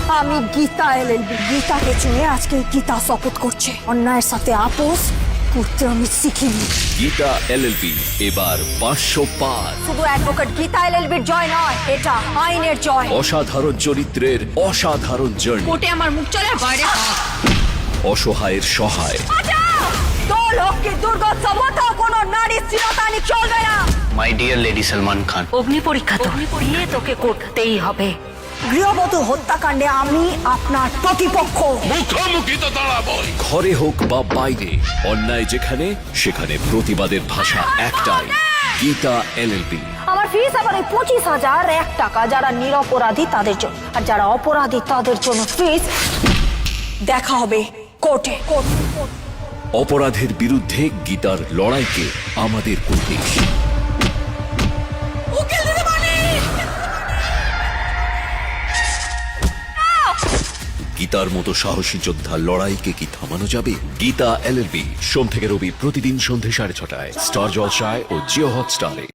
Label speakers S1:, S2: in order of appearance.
S1: আমি গীতা এলএলবি গীতাকে চুনে আজকে গীতা শপথ করছে অন্যায়ের সাথে আপোষ করতে আমি শিখিনি।
S2: গীতা এলএলবি এবার 500 পার।
S1: শুধু অ্যাডভোকেট গীতা এলএলবির জয় নয়, এটা আইনের জয়।
S2: অসাধারণ চরিত্রের অসাধারণ জার্নি।
S3: কোর্টে আমার মুখ চলে বাইরে
S2: অসহায়ের সহায়।
S1: দোল হোক কি দুর্গোৎসব হতেও কোনো নারী চিরতানি চলবে না।
S4: My dear lady Salman Khan,
S1: অগ্নি পরীক্ষা তো দিয়ে তোকে করতেই হবে। গৃহবধূ হত্যাকাণ্ডে আমি আপনার প্রতিপক্ষ।
S2: মুখোমুখি তো দাঁড়াবই। ঘরে হোক বা বাইরে, অন্যায় যেখানে সেখানে প্রতিবাদের ভাষা একটাই, গীতা এলএলবি।
S1: আমার ফিস আবার এই 25,001 টাকা। যারা নিরপরাধী তাদের জন্য, আর যারা অপরাধী তাদের জন্য ফিস। দেখা হবে কোর্টে।
S2: অপরাধের বিরুদ্ধে গীতার লড়াইকে আমাদের করতে। গীতার মতো সাহসী যোদ্ধার লড়াইকে কি থামানো যাবে? গীতা এলএলবি সোম থেকে রবি প্রতিদিন সন্ধ্যে 6:30টায় স্টার জলসায় ও জিও হটস্টারে।